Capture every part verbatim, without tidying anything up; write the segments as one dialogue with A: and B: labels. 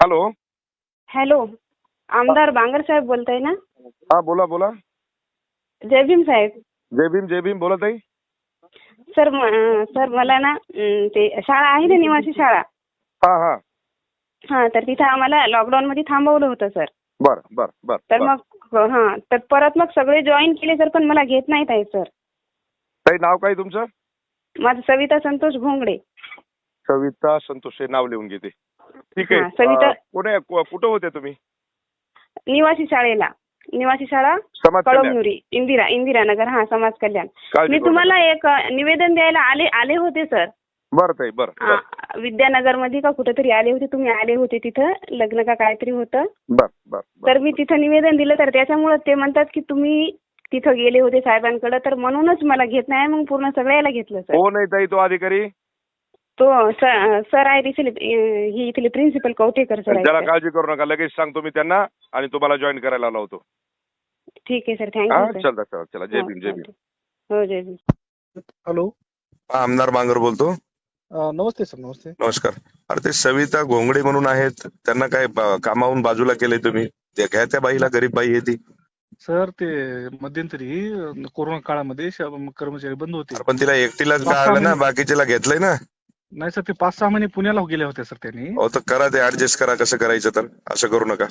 A: Hello.
B: Hello, आमदार बांगर साहेब बोलताय ना?
A: हा बोला बोला.
B: जय भीम साहेब.
A: जय भीम जय भीम. बोलत आहे.
B: सर म- सर मला ना अं, ते शाळा आहे ना, निवासी शाळा.
A: हा हा.
B: हा, तर तिथं आम्हाला लॉकडाऊन मध्ये थांबवलं होतं सर.
A: बर बर बर
B: तर
A: बर.
B: मग हा, तर परत मग सगळे जॉईन केले सर, पण मला घेत नाहीत आहे सर.
A: ताई नाव काय तुमचं?
B: माझं सविता संतोष घोंगडे.
A: सविता संतोष हे नाव लिहून घेते. ठीक आहे.
B: हा, सविता.
A: अं, कुठे कु- कुठं होते तुम्ही?
B: निवासी शाळेला, निवासी शाळा
A: समाज कल्याण.
B: कळमनुरी, इंदिरा इंदिरा नगर. हा, समाज कल्याण.
A: काळजी
B: मी
A: करू
B: तुम्हाला एक अ, निवेदन द्यायला आले आले होते सर.
A: बर ताई बर बर
B: विद्यानगर मध्ये का कुठेतरी आले होते, तुम्ही आले होते तिथं, लग्न का काहीतरी होतं.
A: बर बर बर.
B: तर मी तिथं निवेदन दिलं, तर त्याच्यामुळे ते म्हणतात की तुम्ही तिथं गेले होते साहेबांकडे, तर म्हणूनच मला घेत नाही. मग पूर्ण सगळ्याला घेतलं सर.
A: कोण आहे ताई तो अधिकारी?
B: तो स- सर आहे तिथले, अं, ही इथले प्रिन्सिपल कवठेकर सर
A: त्याला
B: आहेत.
A: काळजी करू नका. लगेच सांगतो मी त्यांना आणि तुम्हाला जॉईन करायला लावतो.
B: ठीक आहे सर,
A: हा
B: थँक्यू सर.
A: चला चला चला. जय भीम जय भीम.
B: हो, जय भीम.
C: हॅलो.
A: आमदार बांगर बोलतो.
C: अ, नमस्ते सर. नमस्ते.
A: नमस्कार. अरे ते सविता घोंगडे म्हणून आहेत, त्यांना काय ब- कामावून बाजूला केलंय तुम्ही? ते घ्या त्या बाईला, गरीब बाई आहे ती.
C: सर ते मध्यंतरी अ, कोरोना काळामध्ये श- कर्मचारी बंद होते.
A: अरे पण तिला एकटीलाच
C: पाच सहा
A: काढलं ना,
C: महिने-
A: बाकीच्याला घेतलंय ना.
C: नाही सर, ते पाच सहा महिने पुण्याला गेले होते सर त्यांनी.
A: हो तर करा ते ऍडजस्ट करा, कसं करायचं तर. असं करू नका.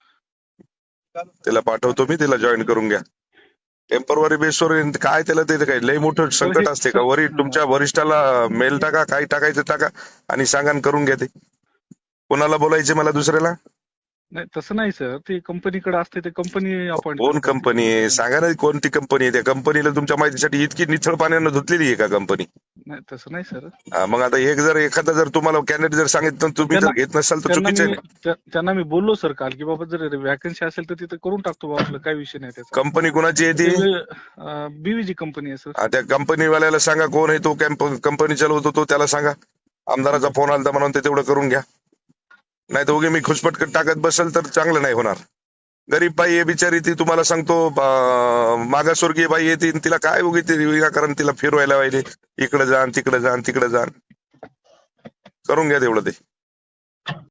A: तिला पाठवतो मी, तिला जॉईन करून घ्या. टेम्पररी बेसवर काय त्याला ते काय लय मोठं संकट
C: हे-
A: असते का?
C: सर-
A: वरी तुमच्या वरिष्ठाला मेल टाका, काय टाकायचं टाका आणि सांगा आणि करून घ्या ते. कोणाला बोलायचे मला दुसऱ्याला?
C: नाही तसं नाही सर, ते कंपनीकडे असते, ते कंपनी अपॉइंट
A: कोण कंपनी आहे सांगा ना, कोणती कंपनी आहे? त्या कंपनीला तुमच्या माहितीसाठी इतकी निथळ पाण्यानं धुतलेली आहे का कंपनी?
C: नाही तसं नाही सर.
A: हा, मग आता एक जर एखादा जर तुम्हाला कॅन्डिडेट जर सांगितलं तर तुम्ही जर
C: त्यांना-
A: घेत नसाल तर
C: त्यांना
A: चुकीचं
C: मी
A: आहे ना.
C: त्या- त्यांना मी बोललो सर काल की बाबा जर वॅकन्सी असेल तर तिथे करून टाकतो बाबा, आपलं काही विषय नाही त्याचा.
A: कंपनी कुणाची आहे ती?
C: बीवीजी कंपनी आहे सर.
A: हा, त्या कंपनीवाल्याला सांगा कोण आहे तो, कंपनी चालवतो तो, त्याला सांगा आमदाराचा फोन आला म्हणून ते तेवढं करून घ्या. नाही तर उगे मी खुशपट टाकत बसेल तर चांगलं नाही होणार. गरीब बाई आहे बिचारी ती, तुम्हाला सांगतो अं, मागासवर्गीय बाई आहे ती, तिला काय उगी ते विनाकारण तिला फिरवायला पाहिजे, इकडे जा तिकडे जा तिकडे जा. करून घ्या तेवढं ते.